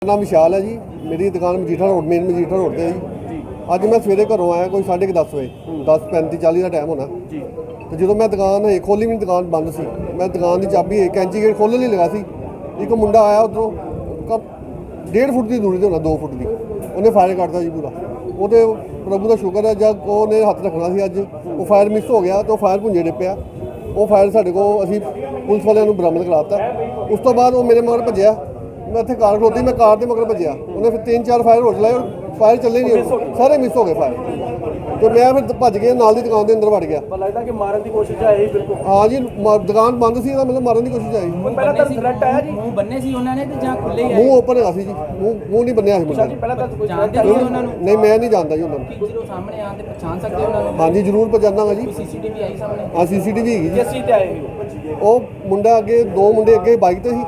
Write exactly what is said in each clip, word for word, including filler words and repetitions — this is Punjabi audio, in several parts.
नाम विशाल है जी। मेरी दुकान Majitha road main Majitha road से जी। अज मैं सवेरे घरों आया कोई साढ़े दस बजे दस पैंती चाली का टाइम होना तो जो मैं दुकान खोली मेरी दुकान बंद सी। मैं दुकान की चाबी कैंची गेट खोलने लगा सी। एक मुंडा आया उधरों डेढ़ फुट की दूरी से होना दो फुट की उन्हें फायर करता जी पूरा। वो प्रभु का शुक्र है जब उन्हें हथ रखना सी अज वो फायर मिस हो गया तो फायर भुंजे डिप्या। वो फायर साढ़े को असी पुलिस वाले बरामद कराता। उस तो बाद वो मेरे मगर भजया। मैं इतने कार खलोती मैं कार के मगर भजया। उन्हें फिर तीन चार फायर हो चलाए और फायर चले नहीं सारे मिस हो गए फायर। तो मैं फिर भज गया नाल दी दुकान के अंदर वड़ गया। लगता कि मारन की कोशिश आई बिल्कुल। हाँ जी दुकान बंद सी मतलब मारन की कोशिश आई। पहला तो थ्रेट आया जी मुंह बन्ने सी उन्होंने ते जां खुले ही मुंह ओपन है सी जी मुंह मुंह नहीं बन्निया सी मुंडा। पहला तो कोई जानते नहीं उन्होंने नहीं मैं नहीं जानता जी उन्होंने। ਜਦੋਂ ਸਾਹਮਣੇ ਆਂਦੇ ਪਛਾਣ ਸਕਦੇ ਉਹਨਾਂ ਨੂੰ। हाँ जी जरूर पहचानांगा जी। ਸੀਸੀਟੀਵੀ ਆਈ ਸਾਹਮਣੇ। हाँ सीसीटीवी हैगी जी। ਕਿਸ ਚੀਜ਼ ਤੇ ਆਏ ਹੋ ਉਹ ਮੁੰਡਾ ਅੱਗੇ ਦੋ ਮੁੰਡੇ ਅੱਗੇ ਬਾਈਕ ਤੇ ਸੀ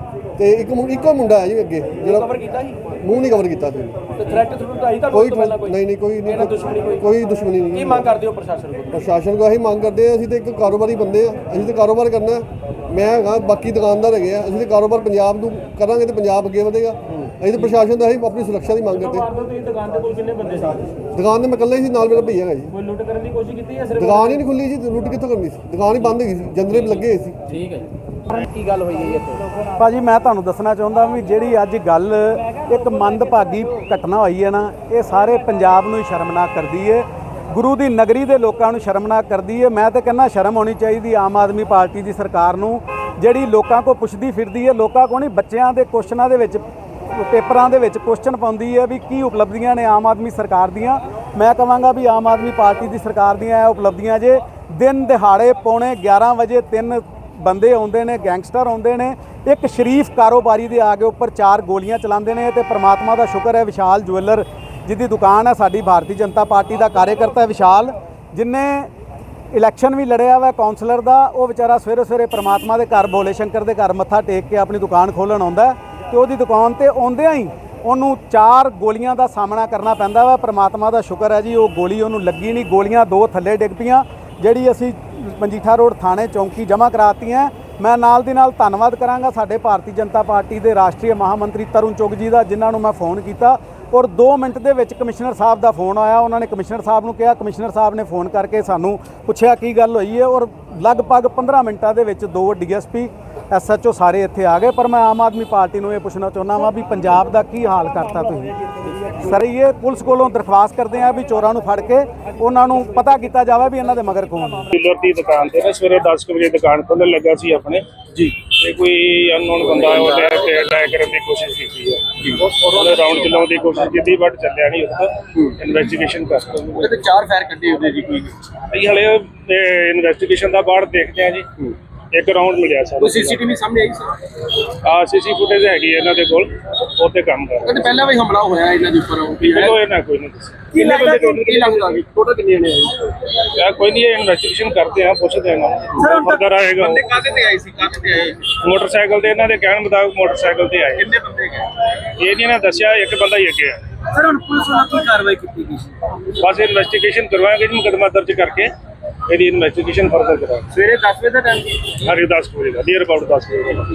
ਤੇ ਇੱਕ ਮੁੰ- ਇੱਕੋ ਮੁੰਡਾ ਹੈ ਜੀ ਅੱਗੇ ਜਿਹੜਾ ਕਵਰ ਕੀਤਾ ਸੀ ਮੂੰਹ ਨਹੀਂ ਕਵਰ ਕੀਤਾ ਸੀ। ਤੇ ਥ੍ਰੈਟ ਥ੍ਰੂ ਆਈ ਤਾਂ ਕੋਈ ਤੋਂ ਪਹਿਲਾਂ ਕੋਈ ਨਹੀਂ ਨਹੀਂ ਕੋਈ ਇਹਨਾਂ ਨਹੀਂ ਦੁਸ਼ਮਣੀ ਕੋਈ ਕੋਈ ਦੁਸ਼ਮਣੀ ਕੀ ਨਹੀਂ। ਮੰਗ ਕਰਦੇ ਹੋ ਪ੍ਰਸ਼ਾਸਨ ਕੋਲ? ਪ੍ਰਸ਼ਾਸਨ ਕੋਲ ਅਸੀਂ ਮੰਗ ਕਰਦੇ ਹਾਂ ਅਸੀਂ ਤੇ ਇੱਕ ਕਾਰੋਬਾਰੀ ਬੰਦੇ ਆ ਅਸੀਂ ਤੇ ਕਾਰੋਬਾਰ ਕਰਨਾ ਹੈ। ਮੈਂ ਹੈਗਾ ਬਾਕੀ ਦੁਕਾਨਦਾਰ ਹੈਗੇ ਆ ਅਸੀਂ ਤੇ ਕਾਰੋਬਾਰ ਪੰਜਾਬ ਨੂੰ ਕਰਾਂਗੇ ਤੇ ਪੰਜਾਬ ਅੱਗੇ ਵਧੇਗਾ। ਅਸੀਂ ਤੇ ਪ੍ਰਸ਼ਾਸਨ ਦਾ ਅਸੀਂ ਆਪਣੀ ਸੁਰੱਖਿਆ ਦੀ ਮੰਗ ਕਰਦੇ ਹਾਂ। ਤੁਸੀਂ ਦੁਕਾਨ ਦੇ ਕੋਲ ਕਿੰਨੇ ਬੰਦੇ ਸੀ? ਦੁਕਾਨ ਤੇ ਮੈਂ ਇਕੱਲਾ ਹੀ ਸੀ ਨਾਲ ਮੇਰਾ ਭਈਆ ਹੈਗਾ ਜੀ। ਕੋਈ ਲੁੱਟ ਕਰਨ ਦੀ ਕੋਸ਼ਿਸ਼ ਕੀਤੀ ਜਾਂ ਸਿਰਫ ਦੁਕਾਨ ਹੀ ਨਹੀਂ ਖੁੱਲੀ ਜੀ ਲੁੱਟ ਕਿੱਥੋਂ ਕਰਨੀ ਸੀ ਦੁਕਾਨ ਹੀ ਬੰਦ ਹੈਗੀ ਸੀ ਜੰਦਰੇ ਲੱਗੇ ਹੋਏ ਸੀ। ਠੀਕ ਹੈ ਕੀ ਗੱਲ ਹੋਈ ਹੈ ਇੱਥੇ? ਭਾਜੀ ਮੈਂ ਤੁਹਾਨੂੰ ਦੱਸਣਾ ਚਾਹੁੰਦਾ ਵੀ ਜਿਹੜੀ ਅੱਜ ਗੱਲ ਇੱਕ ਮੰਦਭਾਗੀ ਘਟਨਾ ਹੋਈ ਹੈ ਨਾ ਇਹ ਸਾਰੇ ਪੰਜਾਬ ਨੂੰ ਹੀ ਸ਼ਰਮਨਾਕ ਕਰਦੀ ਹੈ। ਗੁਰੂ ਦੀ ਨਗਰੀ ਦੇ ਲੋਕਾਂ ਨੂੰ ਸ਼ਰਮਨਾਕ ਕਰਦੀ ਹੈ। ਮੈਂ ਤਾਂ ਕਹਿੰਦਾ ਸ਼ਰਮ ਹੋਣੀ ਚਾਹੀਦੀ ਆਮ ਆਦਮੀ ਪਾਰਟੀ ਦੀ ਸਰਕਾਰ ਨੂੰ ਜਿਹੜੀ ਲੋਕਾਂ ਕੋਲ ਪੁੱਛਦੀ ਫਿਰਦੀ ਹੈ। ਲੋਕਾਂ ਕੋਲ ਨਹੀਂ ਬੱਚਿਆਂ ਦੇ ਕੁਐਸਚਨਾਂ ਦੇ ਵਿੱਚ ਪੇਪਰਾਂ ਦੇ ਵਿੱਚ ਕੁਐਸਚਨ ਪਾਉਂਦੀ ਹੈ ਵੀ ਕੀ ਉਪਲਬਧੀਆਂ ਨੇ ਆਮ ਆਦਮੀ ਸਰਕਾਰ ਦੀਆਂ। ਮੈਂ ਕਹਾਂਗਾ ਵੀ ਆਮ ਆਦਮੀ ਪਾਰਟੀ ਦੀ ਸਰਕਾਰ ਦੀਆਂ ਇਹ ਉਪਲਬਧੀਆਂ ਜੇ ਦਿਨ ਦਿਹਾੜੇ ਪੌਣੇ ਗਿਆਰਾਂ ਵਜੇ ਤਿੰਨ ਬੰਦੇ ਆਉਂਦੇ ਨੇ ਗੈਂਗਸਟਰ ਆਉਂਦੇ ਨੇ ਇੱਕ ਸ਼ਰੀਫ ਕਾਰੋਬਾਰੀ ਦੇ ਆ ਕੇ ਉੱਪਰ ਚਾਰ ਗੋਲੀਆਂ ਚਲਾਉਂਦੇ ਨੇ ਤੇ ਪ੍ਰਮਾਤਮਾ ਦਾ ਸ਼ੁਕਰ ਹੈ ਵਿਸ਼ਾਲ ਜੁਐਲਰ ਜਿਹਦੀ ਦੁਕਾਨ ਹੈ ਸਾਡੀ ਭਾਰਤੀ ਜਨਤਾ ਪਾਰਟੀ ਦਾ ਕਾਰਜਕਰਤਾ ਵਿਸ਼ਾਲ ਜਿਨੇ ਇਲੈਕਸ਼ਨ ਵੀ ਲੜਿਆ ਵਾ ਕਾਉਂਸਲਰ ਦਾ ਉਹ ਵਿਚਾਰਾ ਸਵੇਰੇ ਸਵੇਰੇ ਪ੍ਰਮਾਤਮਾ ਦੇ ਘਰ ਭੋਲੇ ਸ਼ੰਕਰ ਦੇ ਘਰ ਮੱਥਾ ਟੇਕ ਕੇ ਆਪਣੀ ਦੁਕਾਨ ਖੋਲ੍ਹਣ ਆਉਂਦਾ ਤੇ ਉਹਦੀ ਦੁਕਾਨ ਤੇ ਆਉਂਦਿਆਂ ਹੀ ਉਹਨੂੰ ਚਾਰ ਗੋਲੀਆਂ ਦਾ ਸਾਹਮਣਾ ਕਰਨਾ ਪੈਂਦਾ ਵਾ। ਪ੍ਰਮਾਤਮਾ ਦਾ ਸ਼ੁਕਰ ਹੈ ਜੀ ਉਹ ਗੋਲੀ ਉਹਨੂੰ ਲੱਗੀ ਨਹੀਂ। ਗੋਲੀਆਂ ਦੋ ਥੱਲੇ ਡਿੱਗ ਪਈਆਂ ਜਿਹੜੀ ਅਸੀਂ ਮਜੀਠਾ ਰੋਡ ਥਾਣੇ ਚੌਂਕੀ ਜਮ੍ਹਾਂ ਕਰਾਤੀਆਂ। ਮੈਂ ਨਾਲ ਦੀ ਨਾਲ ਧੰਨਵਾਦ ਕਰਾਂਗਾ ਸਾਡੇ ਭਾਰਤੀ ਜਨਤਾ ਪਾਰਟੀ ਦੇ ਰਾਸ਼ਟਰੀ ਮਹਾਮੰਤਰੀ ਤਰੁਣ ਚੁੱਗ ਜੀ ਦਾ ਜਿਨ੍ਹਾਂ ਨੂੰ ਮੈਂ ਫੋਨ ਕੀਤਾ ਔਰ ਦੋ ਮਿੰਟ ਦੇ ਵਿੱਚ ਕਮਿਸ਼ਨਰ ਸਾਹਿਬ ਦਾ ਫੋਨ ਆਇਆ। ਉਹਨਾਂ ਨੇ ਕਮਿਸ਼ਨਰ ਸਾਹਿਬ ਨੂੰ ਕਿਹਾ ਕਮਿਸ਼ਨਰ ਸਾਹਿਬ ਨੇ ਫੋਨ ਕਰਕੇ ਸਾਨੂੰ ਪੁੱਛਿਆ ਕੀ ਗੱਲ ਹੋਈ ਹੈ ਔਰ ਲਗਭਗ ਪੰਦਰਾਂ ਮਿੰਟਾਂ ਦੇ ਵਿੱਚ ਦੋ D S P S H O ਸਾਰੇ ਇੱਥੇ ਆ ਗਏ। ਪਰ ਮੈਂ ਆਮ ਆਦਮੀ ਪਾਰਟੀ ਨੂੰ ਇਹ ਪੁੱਛਣਾ ਚਾਹੁੰਦਾ ਵਾਂ ਵੀ ਪੰਜਾਬ ਦਾ ਕੀ ਹਾਲ ਕਰਤਾ ਤੁਸੀਂ। ਸਰ ਇਹ ਪੁਲਿਸ ਕੋਲੋਂ ਦਰਖਾਸਤ ਕਰਦੇ ਆ ਵੀ ਚੋਰਾਂ ਨੂੰ ਫੜ ਕੇ ਉਹਨਾਂ ਨੂੰ ਪਤਾ ਕੀਤਾ ਜਾਵੇ ਵੀ ਇਹਨਾਂ ਦੇ ਮਗਰ ਕੌਣ ਹੈ। ਡੀਲਰ ਦੀ ਦੁਕਾਨ ਤੇ ਨਾ ਸਵੇਰੇ ਦਸ ਵਜੇ ਦੁਕਾਨ ਖੋਲ੍ਹਣ ਲੱਗਾ ਸੀ ਆਪਣੇ ਜੀ ਤੇ ਕੋਈ ਅਨਨੋਨ ਬੰਦਾ ਉਹ ਲੈ ਕੇ ਅਟੈਕ ਕਰਨ ਦੀ ਕੋਸ਼ਿਸ਼ ਕੀਤੀ ਹੈ। ਉਹਨੇ ਰਾਉਂਡ ਚਲਾਉਣ ਦੀ ਕੋਸ਼ਿਸ਼ ਕੀਤੀ ਬਟ ਚੱਲਿਆ ਨਹੀਂ। ਉੱਥੇ ਇਨਵੈਸਟੀਗੇਸ਼ਨ ਕਰ ਰਹੇ ਤੇ ਚਾਰ ਫਾਇਰ ਕੱਢੇ ਉਹਦੇ ਜੀ ਕੋਈ ਅਸੀਂ ਹਲੇ ਇਨਵੈਸਟੀਗੇਸ਼ਨ ਦਾ ਬਾਅਦ ਦੇਖਦੇ ਹਾਂ ਜੀ। ਇੱਕ ਰਾਉਂਡ ਮਿਲਿਆ ਸਾਨੂੰ। ਕੋਈ ਸੀਸੀਟੀਵੀ ਸਾਹਮਣੇ ਆਈ ਸੀ? ਆ ਸੀਸੀ ਫੁਟੇਜ ਹੈਗੀ ਇਹਨਾਂ ਦੇ ਕੋਲ ਉੱਤੇ ਕੰਮ ਕਰ ਰਹੇ। ਕਹਿੰਦੇ ਪਹਿਲਾਂ ਵੀ ਹਮਲਾ ਹੋਇਆ ਇਹਨਾਂ ਦੇ ਉੱਪਰ ਵੀ ਹੈ। ਚਲੋ ਇਹ ਨਾ ਕੋਈ ਨਹੀਂ ਦੱਸੇ ਕੀ ਲੱਗਦਾ ਕੀ ਲੱਗਦਾ ਵੀ ਟੋਟਲ ਕਿੰਨੇ ਨੇ ਆਏ? ਯਾਰ ਕੋਈ ਨਹੀਂ ਇਨਵੈਸਟੀਗੇਸ਼ਨ ਕਰਦੇ ਆ ਪੁੱਛਦੇ ਹਾਂ ਫਰਦਰ ਆਏਗਾ। ਬੰਦੇ ਕਾਹਦੇ ਤੇ ਆਏ ਸੀ ਕਾਹਦੇ ਤੇ ਆਏ? ਮੋਟਰਸਾਈਕਲ ਤੇ ਇਹਨਾਂ ਦੇ ਕਹਿਣ ਮੁਤਾਬਕ ਮੋਟਰਸਾਈਕਲ ਤੇ ਆਏ। ਕਿੰਨੇ ਬੰਦੇ ਗਏ? ਇਹ ਨਹੀਂ ਨਾ ਦੱਸਿਆ ਇੱਕ ਬੰਦਾ ਹੀ ਅੱਗੇ ਆ। ਸਰ ਹੁਣ ਪੁਲਿਸ ਵੱਲੋਂ ਕੀ ਕਾਰਵਾਈ ਕੀਤੀ ਗਈ ਸੀ? ਬਸ ਇਨਵੈਸਟੀਗੇਸ਼ਨ ਕਰਵਾਵਾਂਗੇ ਜੀ ਮੁਕੱਦਮਾ ਦਰਜ ਕਰਕੇ ਇਹਦੀ ਇਨਵੈਸਟੀਗੇਸ਼ਨ ਫਰਦਰ ਕਰਾਂਗੇ। ਸਵੇਰੇ ਦਸ ਵਜੇ ਦਾ ਟਾਈਮ ਸੀ? ਹਰੀ ਦਸ ਵਜੇ ਦਾ ਨੀਅਰ ਅਬਾਊਟ ਦਸ ਵਜੇ ਦਾ।